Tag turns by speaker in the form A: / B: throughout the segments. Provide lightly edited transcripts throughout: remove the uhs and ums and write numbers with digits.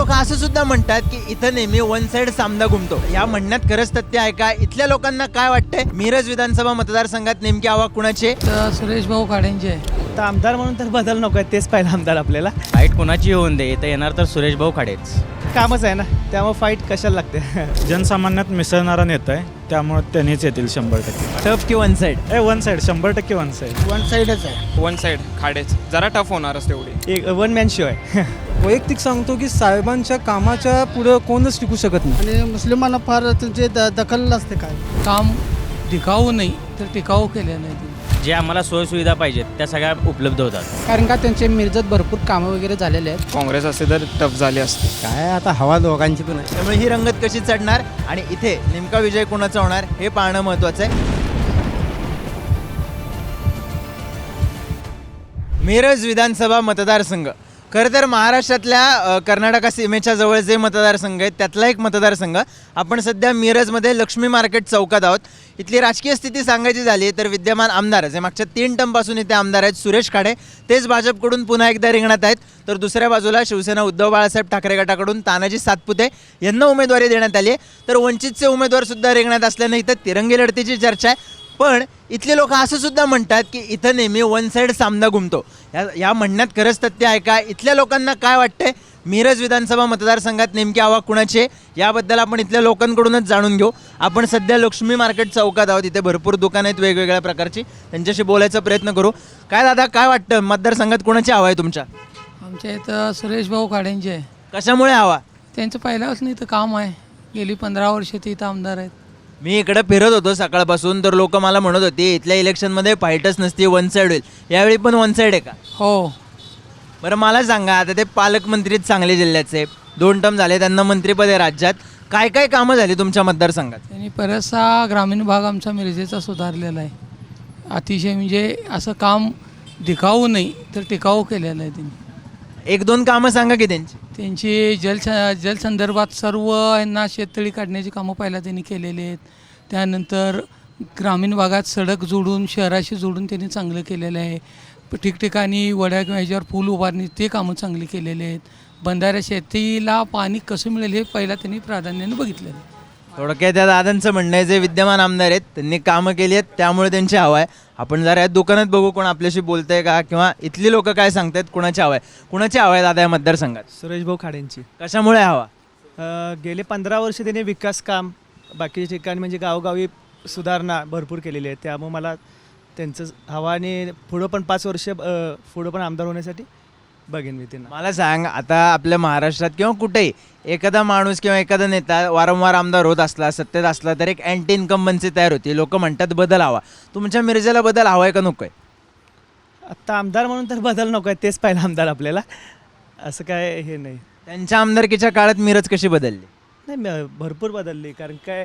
A: लोक असं सुद्धा म्हणतात की इथं नेहमी वन साइड सामना घुमतो. या म्हणण्यात खरंच तथ्य आहे का? इथल्या लोकांना काय वाटतंय? मिरज विधानसभा मतदारसंघात नेमकी हवा कुणाची आहे?
B: तर सुरेश भाऊ खाडेंचे आहे.
C: तर आमदार म्हणून तर बदल नको आहे, तेच पहिला आमदार आपल्याला.
D: फाईट कोणाची होऊन दे तर येणार तर सुरेश भाऊ खाडेच.
C: कामच आहे ना, त्यामुळे फाईट कशाला लागते.
E: जनसामान्यात मिसळणारा नेता आहे, त्यामुळे त्यांनीच येतील 100%.
A: टफ की one side?
E: One side 100% one side.
C: One साईडच आहे,
F: वन साईड खाडेच. जरा टफ होणारच तेवढी.
C: एक वन मॅन शो आहे.
G: वैयक्तिक सांगतो की साहेबांच्या कामाच्या पुढं कोणच टिकू शकत नाही.
H: आणि मुस्लिमांना फार त्यांचे दखल असते काय.
B: काम दिखाऊ नाही तर टिकाऊ केलं नाही त्यांनी.
D: जे आम्हाला सोयीसुविधा पाहिजेत त्या सगळ्या उपलब्ध होतात.
H: कारण का त्यांचे मिरजत भरपूर कामं वगैरे झालेले आहेत.
F: काँग्रेस असते तर टफ झाली असते.
G: काय आता हवा दोघांची पण आहे.
A: त्यामुळे ही रंगत कशी चढणार आणि इथे नेमका विजय कोणाचा होणार हे पाहणं महत्वाचं आहे. मिरज विधानसभा मतदारसंघ खरं तर महाराष्ट्रातल्या कर्नाटका सीमेच्या जवळ जे मतदारसंघ आहेत त्यातला एक मतदारसंघ. आपण सध्या मिरजमध्ये लक्ष्मी मार्केट चौकात आहोत. इथली राजकीय स्थिती सांगायची झाली तर विद्यमान आमदार जे मागच्या 3 टर्मपासून इथे आमदार आहेत सुरेश खाडे, तेच भाजपकडून पुन्हा एकदा रिंगणात आहेत. तर दुसऱ्या बाजूला शिवसेना उद्धव बाळासाहेब ठाकरे गटाकडून तानाजी सातपुते यांना उमेदवारी देण्यात आली आहे. तर वंचितचे उमेदवारसुद्धा रिंगणात असल्यानं इथं तिरंगी लढतीची चर्चा आहे. पण इथले लोक असं सुद्धा म्हणतात की इथं नेहमी वन साइड सामना घुमतो. या म्हणण्यात खरंच तथ्य आहे का? इथल्या लोकांना काय वाटतंय? मिरज विधानसभा मतदारसंघात नेमकी हवा कुणाची आहे याबद्दल आपण इथल्या लोकांकडूनच जाणून घेऊ. आपण सध्या लक्ष्मी मार्केट चौकात आहोत. इथे भरपूर दुकानं आहेत वेगवेगळ्या प्रकारची, त्यांच्याशी बोलायचा प्रयत्न करू. काय दादा, काय वाटतं मतदारसंघात कुणाची हवा आहे तुमच्या?
B: आमच्या इथं सुरेश भाऊ खाडेंचे आहे.
A: कशामुळे हवा?
B: त्यांचं पहिल्यापासून इथं काम आहे. गेली 15 वर्ष ते इथं आमदार आहेत.
A: मी इकडे फिरत होतो सकाळपासून, तर लोक मला म्हणत होते इथल्या इलेक्शनमध्ये फाईटच नसते, वन साईड होईल. यावेळी पण वन साईड आहे का?
B: हो.
A: बरं मला सांगा, आता ते पालकमंत्रीच सांगली जिल्ह्याचे 2 टर्म झाले, त्यांना मंत्रिपद आहे राज्यात. काय काय कामं झाली तुमच्या मतदारसंघात?
B: त्यांनी बराचसा ग्रामीण भाग आमचा मिरजेचा सुधारलेला आहे. अतिशय म्हणजे असं काम दिखाऊ नाही तर टिकाऊ केलेलं आहे त्यांनी.
A: 1-2 कामं सांगा की त्यांची.
B: त्यांची जलसंदर्भात सर्व यांना शेततळी काढण्याची कामं पहिला त्यांनी केलेली आहेत. त्यानंतर ग्रामीण भागात सडक जोडून शहराशी जोडून त्यांनी चांगलं केलेलं आहे. ठिकठिकाणी वड्या किंवा ह्याच्यावर पूल उभारणी ते कामं चांगली केलेले आहेत. बंधाऱ्या शेतीला पाणी कसं मिळेल हे पहिला त्यांनी प्राधान्याने बघितलेलं आहे.
A: थोडक्यात त्या दादांचं म्हणणं आहे जे विद्यमान आमदार आहेत त्यांनी कामं केली आहेत त्यामुळे त्यांची हवा आहे. आपण जरा या दुकानात बघू कोण आपल्याशी बोलतंय का, किंवा इथली लोक काय सांगतायत कुणाची हवा आहे. कुणाची हवा आहे दादा या मतदारसंघात?
C: सुरेश भाऊ खाडेंची.
A: कशामुळे हवा?
C: गेले 15 वर्ष त्यांनी विकास काम बाकीच्या ठिकाणी म्हणजे गावोगावी सुधारणा भरपूर केलेली आहे. त्यामुळे मला त्यांचं हवा आणि पुढं पण 5 वर्ष पुढं पण आमदार होण्यासाठी बघेन मी त्यांना.
A: मला सांग, आता आपल्या महाराष्ट्रात किंवा कुठेही एखादा माणूस किंवा एखादा नेता वारंवार आमदार होत असला, सत्तेत असला, तर एक अँटी इन्कम्बन्सी तयार होती. लोक म्हणतात बदल हवा. तुमच्या मिरजेला बदल हवा आहे का नको आहे?
C: आत्ता आमदार म्हणून तर बदल नको आहे, तेच पहिला आमदार आपल्याला. असं काय हे नाही.
A: त्यांच्या आमदारकीच्या काळात मिरज कशी बदलली?
C: नाही, भरपूर बदलली. कारण काय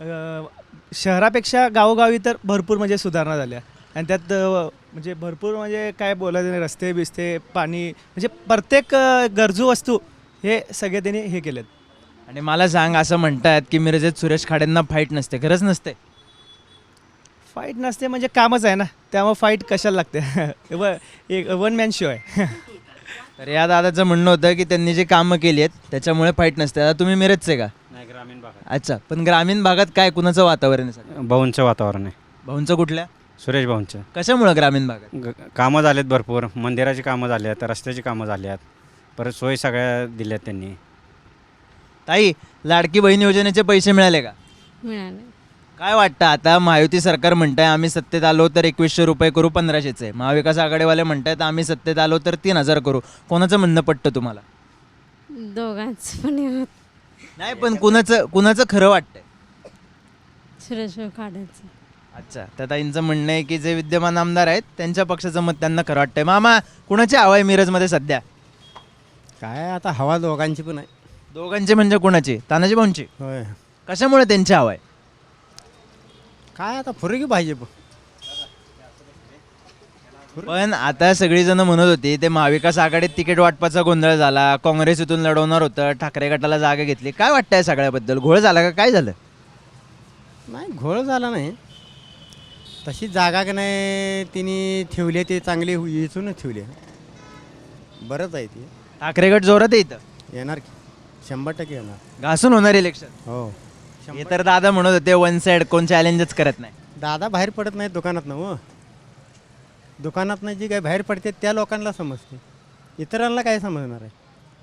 C: शहरापेक्षा गावोगावी तर भरपूर म्हणजे सुधारणा झाल्या. आणि त्यात म्हणजे भरपूर म्हणजे काय बोलायचं नाही, रस्ते बिस्ते पाणी म्हणजे प्रत्येक गरजू वस्तू हे सगळे त्यांनी हे केलेत.
A: आणि मला सांग, असं म्हणतात की मिरजेत सुरेश खाडेंना फाईट नसते. खरंच नसते?
C: फाईट नसते म्हणजे कामच आहे ना, त्यामुळे फाईट कशाला लागते. एक वन मॅन शो आहे.
A: तर या दादाचं म्हणणं होतं की त्यांनी जे कामं केली आहेत त्याच्यामुळे फाईट नसते. आता तुम्ही मिरजचे का?
D: नाही, ग्रामीण भागात.
A: अच्छा, पण ग्रामीण भागात काय कुणाचं वातावरण आहे?
D: भाऊंचं वातावरण आहे.
A: भाऊंचं कुठल्या?
D: सुरेश भाऊंचं.
A: कशामुळे ग्रामीण भागात?
D: कामं झालेत भरपूर. मंदिराची कामं झाली आहेत, रस्त्याची कामं झाली आहेत, परत सोयी सगळ्या दिल्यात त्यांनी.
A: ताई, लाडकी बहीण योजनेचे पैसे मिळाले का?
I: मिळाले.
A: काय वाटतं, आता महायुती सरकार म्हणतंय आम्ही सत्तेत आलो तर 2100 रुपये करू, 1500चे. महाविकास आघाडीवाले म्हणतायत आम्ही सत्तेत आलो तर 3000 करू. कोणाचं म्हणणं पटतं तुम्हाला?
I: दोघांचं पण होत.
A: नाही, पण कुणाचं खरं वाटतंय?
I: सुरेश खाडेचं.
A: अच्छा, त्या ताईंचं म्हणणं आहे की जे विद्यमान आमदार आहेत त्यांच्या पक्षाचं मत त्यांना खरं वाटतंय. मामा, कुणाची हवा आहे मिरजमध्ये सध्या?
G: काय आता हवा दोघांची पण आहे.
A: दोघांची म्हणजे कुणाची? तानाजी भाऊंची.
G: होय.
A: कशामुळे त्यांची हवा आहे?
G: काय आता फरकी पाहिजे.
A: पण आता सगळीजण म्हणत होती ते महाविकास आघाडीत तिकीट वाटपाचा गोंधळ झाला, काँग्रेस इथून लढवणार होतं, ठाकरे गटाला जागा घेतली. काय वाटतंय सगळ्याबद्दल? घोळ झाला का काय झालं?
G: नाही, घोळ झाला नाही. तशी जागा की नाही तिने ठेवली ते चांगली इथूनच ठेवली. बरंच आहे ती.
A: ठाकरे गट जोरात आहे इथं.
G: येणार की. 100% येणार.
A: घासून होणार इलेक्शन.
G: हो.
A: हे तर दादा म्हणत होते वन साईड, कोण चॅलेंजच करत नाही.
G: दादा बाहेर पडत नाही दुकानात ना हो. दुकानात नाही जी काय बाहेर पडते त्या लोकांना समजते, इतरांना काय समजणार आहे.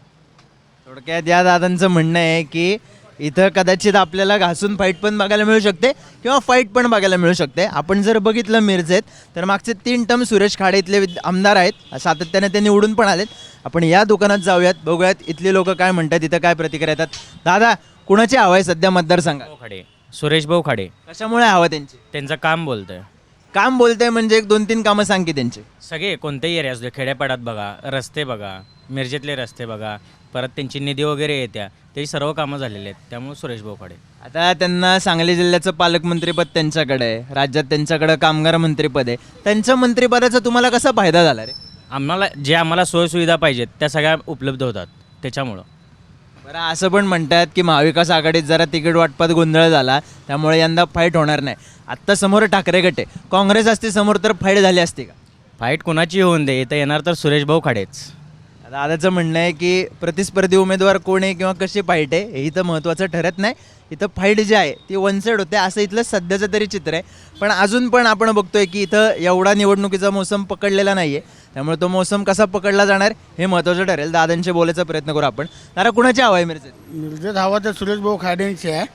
A: थोडक्यात या दादांचं म्हणणं आहे की इथं कदाचित आपल्याला घासून फाईट पण बघायला मिळू शकते किंवा फाईट पण बघायला मिळू शकते. आपण जर बघितलं मिरजेत तर मागचे 3 टर्म सुरेश खाडे इथले आमदार आहेत, सातत्याने ते निवडून पण आलेत. आपण या दुकानात जाऊयात, बघूयात इथले लोक काय म्हणतात, इथं काय प्रतिक्रिया येतात. दादा, कुणाची हवा आहे सध्या मतदारसंघात?
J: खाडे, सुरेश भाऊ खाडे.
A: कशामुळे हवा त्यांची?
J: त्यांचं काम बोलतंय.
A: काम बोलतंय म्हणजे 1-2-3 कामं सांग की त्यांची.
J: सगळे कोणतेही एरिया असू दे, खेड्यापाड्यात बघा, रस्ते बघा, मिरजेतले रस्ते बघा, परत त्यांची निधी वगैरे येत्या, त्याची सर्व कामं झालेली आहेत. त्यामुळे सुरेश भाऊ खाडे.
A: आता त्यांना सांगली जिल्ह्याचं पालकमंत्रीपद त्यांच्याकडे आहे, राज्यात त्यांच्याकडे कामगार मंत्रीपद आहे. त्यांच्या मंत्रिपदाचा तुम्हाला कसा फायदा झाला रे?
J: आम्हाला सोयीसुविधा पाहिजेत त्या सगळ्या उपलब्ध होतात त्याच्यामुळं.
A: बरं, असं पण म्हणतात की महाविकास आघाडीत जरा तिकीट वाटपात गोंधळ झाला, त्यामुळे यंदा फाईट होणार नाही. आत्ता समोर ठाकरे गट आहे, काँग्रेस असते समोर तर फाईट झाली असती का?
J: फाईट कुणाची होऊन दे, इथं येणार तर सुरेश भाऊ खाडेच.
A: दादाचं म्हणणं आहे की प्रतिस्पर्धी उमेदवार कोण आहे किंवा कशी फाईट आहे हे इथं महत्त्वाचं ठरत नाही, इथं फाईट जी आहे ती वन साईड होते, असं इथलं सध्याचं तरी चित्र आहे. पण अजून पण आपण बघतोय की इथं एवढा निवडणुकीचा मोसम पकडलेला नाही आहे, त्यामुळे तो मोसम कसा पकडला जाणार हे महत्त्वाचं ठरेल. दादांशी बोलायचा प्रयत्न करू आपण. दादा, कुणाची हवा आहे मिरजेत?
H: मिरजेत हवा तर सुरेश भाऊ खाडेंची आहे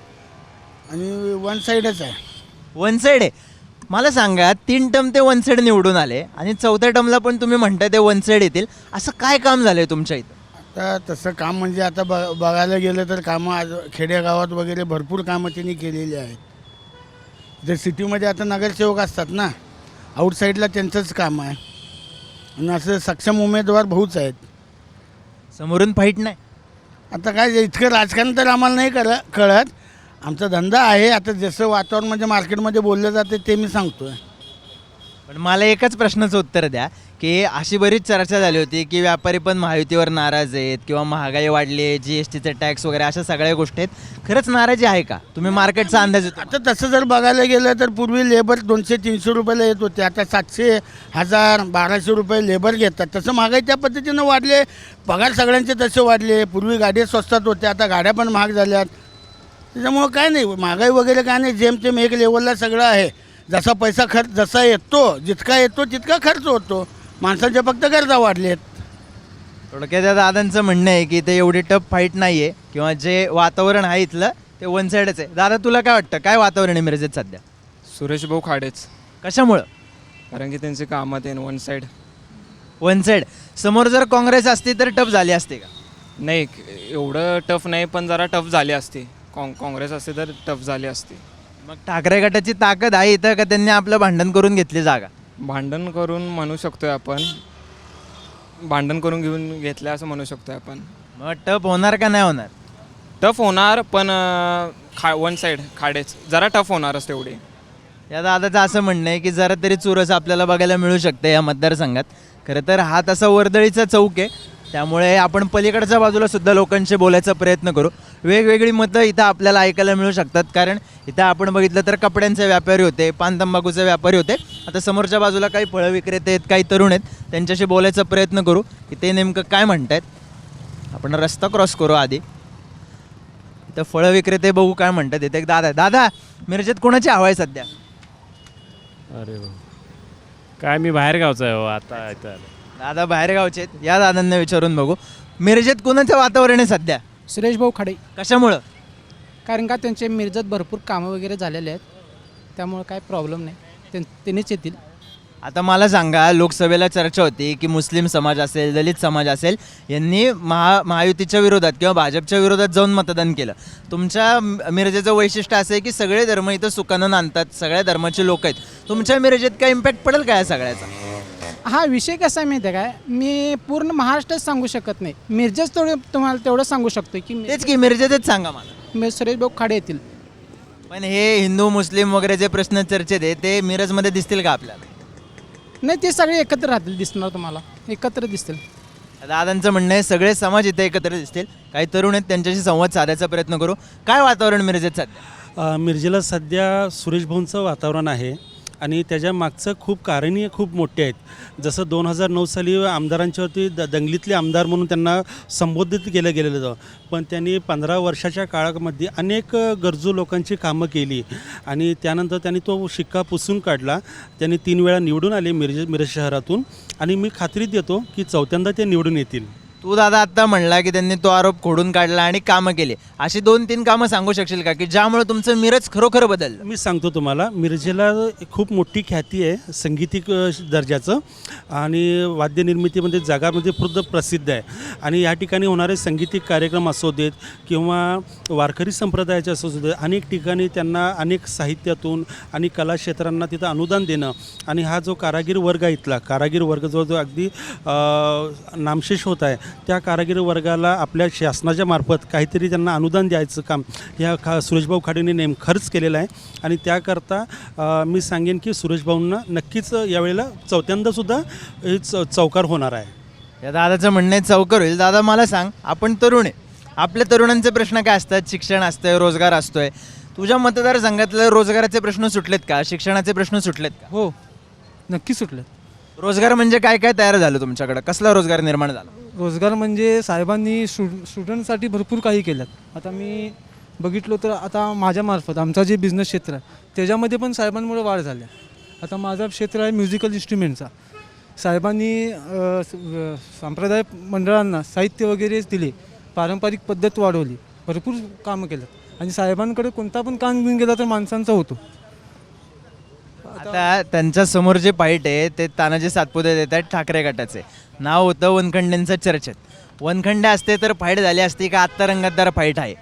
H: आणि वन साईडच आहे.
A: वन साईड आहे. मला सांगा, 3 टर्म ते वन साईड निवडून आले आणि 4थ्या टर्मला पण तुम्ही म्हणताय ते वन साईड येतील, असं काय काम झालंय तुमच्या इथं?
H: आता तसं काम म्हणजे आता बघायला गेलं तर कामं आज खेडेगावात वगैरे भरपूर कामं त्यांनी केलेली आहेत. जर सिटीमध्ये आता नगरसेवक असतात ना, आउटसाईडला त्यांचंच काम आहे आणि असं सक्षम उमेदवार भाऊच आहेत.
A: समोरून फाईट नाही.
H: आता काय इतकं राजकारण तर आम्हाला नाही कळत. आमचा धंदा आहे, आता जसं वातावरण म्हणजे मार्केटमध्ये बोललं जाते ते मी सांगतो आहे.
A: पण मला एकच प्रश्नाचं उत्तर द्या की अशी बरीच चर्चा झाली होती की व्यापारी पण महायुतीवर नाराज आहेत किंवा महागाई वाढली आहे, GSTचे टॅक्स वगैरे अशा सगळ्या गोष्टी आहेत. खरंच नाराजी आहे का? तुम्ही मार्केटचा अंदाज येतो?
H: आता तसं जर बघायला गेलं तर पूर्वी लेबर 200-300 रुपयाला येत होते, आता 700, 1000, 1200 रुपये लेबर घेतात. तसं महागाई त्या पद्धतीनं वाढले, पगार सगळ्यांचे तसे वाढले. पूर्वी गाड्या स्वस्तात होत्या, आता गाड्या पण महाग झाल्यात. त्याच्यामुळं काय नाही, महागाई वगैरे काय नाही, जेमतेम एक लेवलला सगळं आहे. जसा पैसा खर्च जसा येतो, जितका येतो तितका खर्च होतो. माणसाच्या फक्त गरजा वाढलेत.
A: थोडक्यात त्या दादांचं म्हणणं आहे की इथे एवढी टफ फाईट नाही आहे किंवा जे वातावरण आहे इथलं ते वन साईडच आहे. दादा, तुला काय वाटतं, काय वातावरण आहे मिरजेत सध्या?
F: सुरेश भाऊ खाडेच.
A: कशामुळं?
F: कारण की त्यांचे कामात आहे वन साईड.
A: One side. समोर जर काँग्रेस असती तर टफ झाली असते का?
F: नाही, एवढं टफ नाही, पण जरा टफ झाली असती. काँग्रेस असते तर टफ झाली असती.
A: मग ठाकरे गटाची ताकद आहे इथं का त्यांनी आपलं भांडण करून घेतली जागा?
F: भांडण करून म्हणू शकतोय आपण, भांडण करून घेऊन घेतलं असं म्हणू शकतोय आपण.
A: मग टफ होणार का नाही होणार?
F: टफ होणार, पण वन साईड खाडेच, जरा टफ होणारच तेवढी.
A: या दादाचं असं म्हणणं आहे की जरा तरी चुरस आपल्याला बघायला मिळू शकते या मतदारसंघात. खरं तर हा तसा वर्दळीचा चौक आहे, त्यामुळे आपण पलीकडच्या बाजूला सुद्धा लोकांशी बोलायचा प्रयत्न करू. वेगवेगळी मतं इथं आपल्याला ऐकायला मिळू शकतात, कारण इथं आपण बघितलं तर कपड्यांचे व्यापारी होते, पान तंबाखूचे व्यापारी होते. आता समोरच्या बाजूला काही फळं विक्रेते आहेत, काही तरुण आहेत, त्यांच्याशी बोलायचा प्रयत्न करू की ते नेमकं काय म्हणतायत. आपण रस्ता क्रॉस करू आधी. इथं फळं विक्रेते बघू काय म्हणतात. इथे एक दादा, मिरजेत कोणाची हवा आहे सध्या?
E: अरे काय, मी बाहेर गावचा आहे हो आता इथं.
A: दादा बाहेर गावचे आहेत, या दादांना विचारून बघू. मिरजेत कोणाचं वातावरण आहे सध्या?
H: सुरेश भाऊ खाडे.
A: कशामुळं?
H: कारण का त्यांचे मिरजेत भरपूर कामं वगैरे झालेले आहेत, त्यामुळे काय प्रॉब्लेम नाही, त्यांनीच येतील.
A: आता मला सांगा, लोकसभेला चर्चा होती की मुस्लिम समाज असेल, दलित समाज असेल, यांनी महायुतीच्या विरोधात किंवा भाजपच्या विरोधात जाऊन मतदान केलं. तुमच्या मिरजेचं वैशिष्ट्य असं आहे की सगळे धर्म इथं सुखानं नांदतात, सगळ्या धर्माचे लोक आहेत. तुमच्या मिरजेत काय इम्पॅक्ट पडेल काय सगळ्याचा?
H: हा विषय कसा आहे माहिती आहे काय, मी पूर्ण महाराष्ट्रात सांगू शकत नाही, मिरजेच तुम्हाला तेवढं सांगू शकतो की
A: तेच की मिरजेतच सांगा मला.
H: सुरेश भाऊ खाडे येतील.
A: पण हे हिंदू मुस्लिम वगैरे जे प्रश्न चर्चेत आहे ते मिरजमध्ये दिसतील का आपल्याला?
H: नाही, ते सगळे एकत्र राहतील, दिसणार तुम्हाला, एकत्र दिसतील.
A: दादांचं म्हणणं आहे सगळे समाज इथे एकत्र दिसतील. काही तरुण आहेत, त्यांच्याशी संवाद साधायचा प्रयत्न करू. काय वातावरण मिरजेत सध्या?
K: मिरजेला सध्या सुरेश भाऊंचं वातावरण आहे. आणि त्याच्या मागचं खूप कारणीय खूप मोठी आहेत. जसं 2009 साली आमदारांच्यावरती दंगलीतले आमदार म्हणून त्यांना संबोधित केलं गेलेलं होतं, पण त्यांनी 15 वर्षाच्या काळामध्ये अनेक गरजू लोकांची कामं केली आणि त्यानंतर त्यांनी तो शिक्का पुसून काढला. त्यांनी 3 वेळा निवडून आले मिरज शहरातून आणि मी खात्री देतो की 4थ्यांदा ते निवडून येतील.
A: तू दादा आत्ता म्हणला की त्यांनी तो आरोप खोडून काढला आणि कामं केली. अशी 2-3 कामं सांगू शकशील का की ज्यामुळे तुमचं मिरज खरोखर बदललं?
K: मी सांगतो तुम्हाला, मिरजेला खूप मोठी ख्याती आहे संगीतिक दर्जाचं आणि वाद्यनिर्मितीमध्ये जगामध्ये प्रसिद्ध आहे. आणि या ठिकाणी होणारे संगीतिक कार्यक्रम असू देत किंवा वारकरी संप्रदायाचे असू देत, अनेक ठिकाणी त्यांना अनेक साहित्यातून आणि कला क्षेत्रांना तिथं अनुदान देणं आणि हा जो कारागीर वर्ग आहे, इथला कारागीर वर्ग जो अगदी नामशेष होत आहे, त्या कारागीर वर्गाला आपल्या शासनाच्या मार्फत काहीतरी त्यांना अनुदान द्यायचं काम ह्या सुरेशभाऊ खाडेंनी खर्च केलेलं आहे. आणि त्याकरता मी सांगेन की सुरेशभाऊंना नक्कीच यावेळेला 4थ्यांदासुद्धा हे चौकार होणार आहे.
A: या दादाचं म्हणणं आहे चौकार होईल. दादा मला सांग, आपण तरुण आहे, आपल्या तरुणांचे प्रश्न काय असतात? शिक्षण असतंय, रोजगार असतोय. तुझ्या मतदारसंघातले रोजगाराचे प्रश्न सुटलेत का? शिक्षणाचे प्रश्न सुटलेत का?
B: हो, नक्की सुटलं.
A: रोजगार म्हणजे काय काय तयार झालं तुमच्याकडं? कसला रोजगार निर्माण झाला?
B: रोजगार म्हणजे साहेबांनी स्टुडंटसाठी भरपूर काही केलं. आता मी बघितलो तर आता माझ्यामार्फत आमचा जे बिझनेस क्षेत्र आहे त्याच्यामध्ये पण साहेबांमुळे वाढ झाली. आता माझं क्षेत्र आहे म्युझिकल इन्स्ट्रुमेंटचा. साहेबांनी संप्रदाय मंडळांना साहित्य वगैरे दिले, पारंपरिक पद्धत वाढवली, भरपूर कामं केलं. आणि साहेबांकडे कोणता पण काम घेऊन गेला तर माणसांचा होतो.
A: आता त्यांच्या समोर जे पाईट आहे ते तानाजी सातपुते देत आहेत ठाकरे गटाचे. नाव होतं वनखंडेंचं चर्चेत. वनखंडे असते तर फाईट झाली असती का आत्ता रंगतदार फाईट आहे?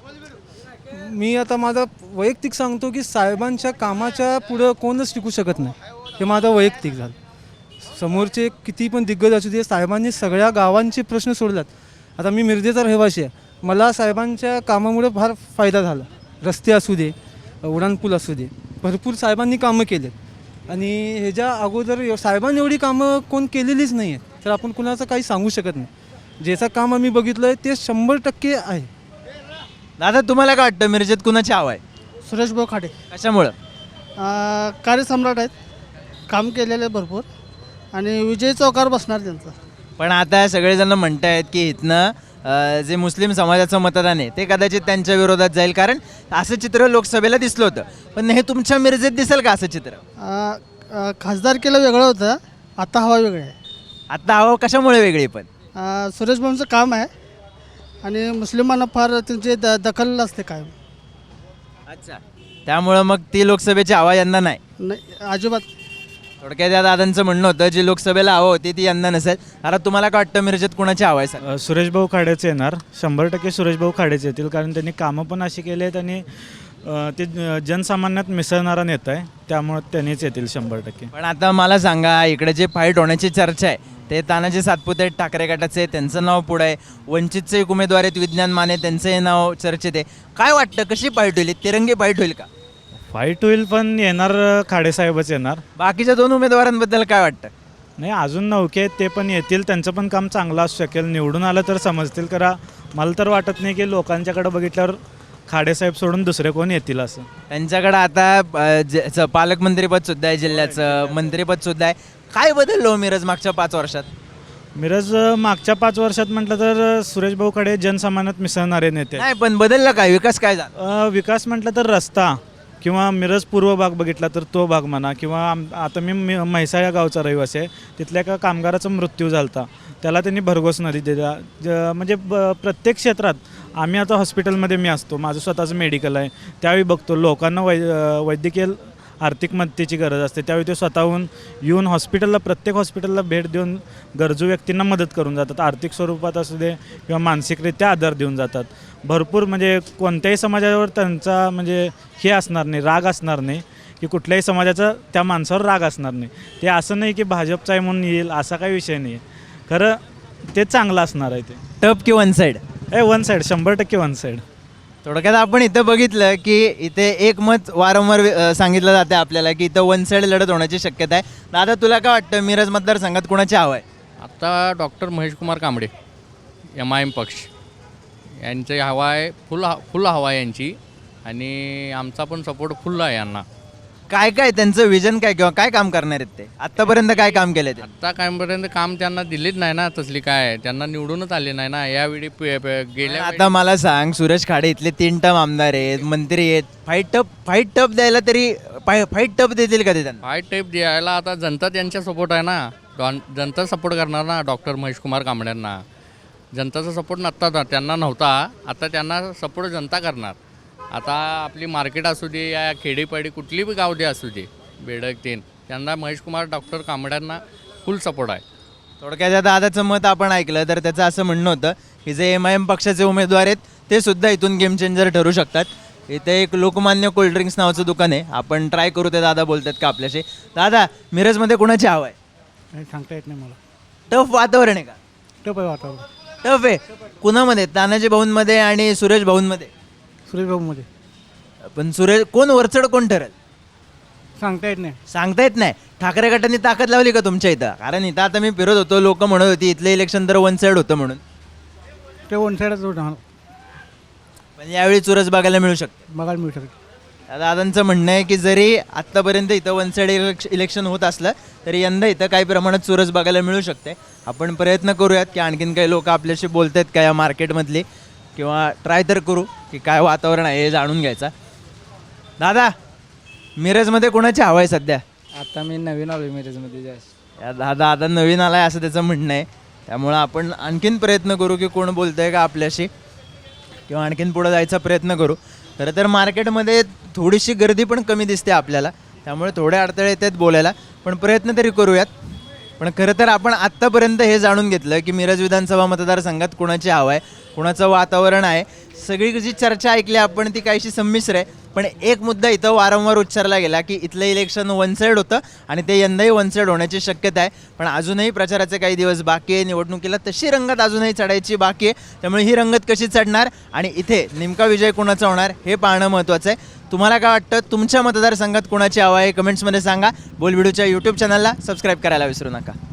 B: मी आता माझा वैयक्तिक सांगतो की साहेबांच्या कामाच्या पुढं कोणच टिकू शकत नाही. हे माझं वैयक्तिक झालं. समोरचे किती पण दिग्गज असू दे, साहेबांनी सगळ्या गावांचे प्रश्न सोडलात. आता मी मिरजेचा रहिवासी आहे, मला साहेबांच्या कामामुळे फार फायदा झाला. रस्ते असू दे, उड्डाणपूल असू दे, भरपूर साहेबांनी कामं केलेत. आणि ह्याच्या अगोदर साहेबांनी एवढी कामं कोण केलेलीच नाही आहेत, तर आपण कुणाचं काही सांगू शकत नाही. ज्याचं काम आम्ही बघितलं आहे ते 100% आहे.
A: दादा तुम्हाला काय वाटतं मिरजेत कुणाची हवा आहे?
C: सुरेशभाऊ खाडे
A: कशामुळं?
C: कार्यसम्राट आहेत, काम केलेले भरपूर आणि विजय चौकार बसणार त्यांचा.
A: पण आता सगळेजण म्हणत आहेत की इथनं जे मुस्लिम समाजाचं मतदान आहे ते कदाचित त्यांच्या विरोधात जाईल, कारण असं चित्र लोकसभेला दिसलं होतं. पण हे तुमच्या मिरजेत दिसेल का असं चित्र?
C: खासदारकीला वेगळं होतं, आता हवा वेगळी आहे.
A: आता हवा कशामुळे वेगळी? पण
C: सुरेशभाऊंचं काम आहे आणि मुस्लिमांना फार त्यांची दखल असते कायम.
A: अच्छा, त्यामुळं मग ती लोकसभेची हवा यंदा नाही?
C: नाही, अजिबात.
A: थोडक्यात या दादांचं म्हणणं होतं जी लोकसभेला हवा होती ती यंदा नसेल. आता तुम्हाला काय वाटतं मिरजेत कुणाची हवा आहे सर?
L: सुरेशभाऊ खाडेच येणार, 100% सुरेशभाऊ खाडेच येतील, कारण त्यांनी कामं पण अशी केली आहेत आणि ते जनसामान्यात मिसळणारा नेता आहे, त्यामुळे त्यांनीच येतील 100%.
A: पण आता मला सांगा, इकडे जे फाईट होण्याची चर्चा आहे ते तानाजी सातपुते ठाकरे गटाचे, त्यांचं नाव पुढं आहे. वंचितचे एक उमेदवार आहेत विज्ञान माने, त्यांचंही नाव चर्चेत आहे. काय वाटतं कशी फाईट होईल? तिरंगी फाईट होईल का?
L: फाईट होईल, पण येणार खाडेसाहेबच येणार.
A: बाकीच्या 2 उमेदवारांबद्दल काय वाटतं?
L: नाही, अजून नौके आहेत, ते पण येतील, त्यांचं पण काम चांगलं असू शकेल. निवडून आलं तर समजतील. करा मला तर वाटत नाही की लोकांच्याकडे बघितल्यावर खाडेसाहेब सोडून दुसरे कोण येतील असं.
A: त्यांच्याकडं आता पालकमंत्रीपद सुद्धा आहे, जिल्ह्याचं मंत्रीपद सुद्धा आहे. काय बदललो मिरज मागच्या 5 वर्षात?
L: मिरज मागच्या 5 वर्षात म्हटलं तर सुरेशभाऊ खाडे जनसामान्यात मिसळणारे नेते.
A: नाही, पण बदललं काय? विकास काय झाला?
L: विकास म्हटलं तर रस्ता किंवा मिरज पूर्व भाग बघितला तर तो भाग म्हणा, किंवा आता मी म्हैसाळ या गावचा रहिवासी आहे, तिथल्या एका कामगाराचा मृत्यू झाला होता, त्याला त्यांनी भरघोस निधी दिला. म्हणजे प्रत्येक क्षेत्रात आम्ही आता हॉस्पिटलमध्ये मी असतो, माझं स्वतःचं मेडिकल आहे, त्यावेळी बघतो लोकांना वैद्यकीय आर्थिक मदतीची गरज असते, त्यावेळी ते स्वतःहून येऊन हॉस्पिटलला, प्रत्येक हॉस्पिटलला भेट देऊन गरजू व्यक्तींना मदत करून जातात. आर्थिक स्वरूपात असू दे किंवा मानसिकरित्या आधार देऊन जातात. भरपूर म्हणजे कोणत्याही समाजावर त्यांचा म्हणजे हे असणार नाही, राग असणार नाही, की कुठल्याही समाजाचा त्या माणसावर राग असणार नाही. ते असं नाही की भाजपचा आहे म्हणून येईल, असा काही विषय नाही. खरं ते चांगलं असणार आहे. ते
A: टप की one side?
L: One side, 100% one side.
A: थोडक्यात आपण इथं बघितलं की इथे एक मत वारंवार सांगितलं जाते आपल्याला की इथं वन साईड लढत होण्याची शक्यता आहे. दादा तुला काय वाटतं मिरज मतदारसंघात कुणाची हवा आहे?
M: आता डॉक्टर महेशकुमार कांबळे, MIM पक्ष यांची हवा आहे, फुल हवा आहे यांची, आणि आमचा पण सपोर्ट फुल आहे यांना.
A: काय काय त्यांचं विजन काय किंवा काय काम करणार आहेत ते आत्तापर्यंत काय काम केलं ते
M: आत्ता कायपर्यंत काम त्यांना दिलीच नाही ना, तसली काय त्यांना निवडूनच आले नाही ना. यावेळी गेल्या
A: आता मला सांग, सुरेश खाडे इथले 3 टर्म आमदार आहेत, मंत्री आहेत, फाईट टप द्यायला तरी फाईट टप देतील का ते त्यांना?
M: फाय टेप द्यायला आता जनता त्यांच्या सपोर्ट आहे ना. जनता सपोर्ट करणार ना डॉक्टर महेशकुमार कांबळेंना. जनताचा सपोर्ट नव्हता, त्यांना नव्हता, आता त्यांना सपोर्ट जनता करणार. आता आपली मार्केट असू दे या खेडीपाडी कुठली बी गाव दे असू दे, बेडक त्यांना महेशकुमार डॉक्टर कांबळ्यांना फुल सपोर्ट आहे.
A: थोडक्यात या दादाचं मत आपण ऐकलं तर त्याचं असं म्हणणं होतं की जे MIM पक्षाचे उमेदवार आहेत ते सुद्धा इथून गेम चेंजर ठरू शकतात. इथे एक लोकमान्य कोल्ड्रिंक्स नावाचं दुकान आहे, आपण ट्राय करू. ते दादा बोलतात का आपल्याशी. दादा, मिरजमध्ये कोणाची हवा आहे?
C: सांगता येत नाही मला.
A: टफ वातावरण आहे का?
C: टप आहे वातावरण.
A: टफ आहे. कुणामध्ये? तानाजी भाऊंमध्ये आणि सुरेश भाऊंमध्ये?
C: सुरेश भाऊमध्ये
A: पण कोण वरचढ कोण ठरेल
C: सांगता येत नाही.
A: सांगता येत नाही. ठाकरे गटांनी ताकद लावली का तुमच्या इथं? कारण इथं आता मी फिरत होतो, लोक म्हणत होती इथलं इलेक्शन तर वन साईड होतं म्हणून.
C: ते वन साईडच होणार.
A: पण यावेळी चुरस बघायला मिळू शकते.
C: बघायला मिळू शकते.
A: दादांचं म्हणणं आहे की जरी आत्तापर्यंत इथं वन साईड इलेक्शन होत असलं तरी यंदा इथं काही प्रमाणात चुरस बघायला मिळू शकते. आपण प्रयत्न करूयात की आणखीन काही लोक आपल्याशी बोलत आहेत का या मार्केटमधली, किंवा ट्राय तर करू की काय वातावरण आहे हे जाणून घ्यायचा. दादा, मिरजमध्ये कोणाची हवा आहे सध्या?
F: आता मी नवीन आलो मिरजमध्ये जास्त.
A: या दादा आता नवीन आला आहे असं त्याचं म्हणणं आहे. त्यामुळं आपण आणखीन प्रयत्न करू की कोण बोलतं आहे का आपल्याशी, किंवा आणखीन पुढं जायचा प्रयत्न करू. खरं तर मार्केटमध्ये थोडीशी गर्दी पण कमी दिसते आपल्याला, त्यामुळे थोडे अडथळे येतात बोलायला, पण प्रयत्न तरी करूयात. पण खरं तर आपण आत्तापर्यंत हे जाणून घेतलं की मिरज विधानसभा मतदारसंघात कोणाची हवा आहे, कोणाचं वातावरण आहे. सगळी जी चर्चा ऐकली आपण ती काहीशी संमिश्र आहे, पण एक मुद्दा इथं वारंवार उच्चारला गेला की इथलं इलेक्शन वन साईड होतं आणि ते यंदाही वन साईड होण्याची शक्यता आहे. पण अजूनही प्रचाराचे काही दिवस बाकी आहे, निवडणुकीला तशी रंगत अजूनही चढायची बाकी आहे. त्यामुळे ही रंगत कशी चढणार आणि इथे नेमका विजय कोणाचा होणार हे पाहणं महत्त्वाचं आहे. तुम्हाला काय वाटतं, तुमच्या मतदारसंघात कोणाची हवा आहे कमेंट्समध्ये सांगा. बोल व्हिडिओच्या यूट्यूब चॅनलला सबस्क्राईब करायला विसरू नका.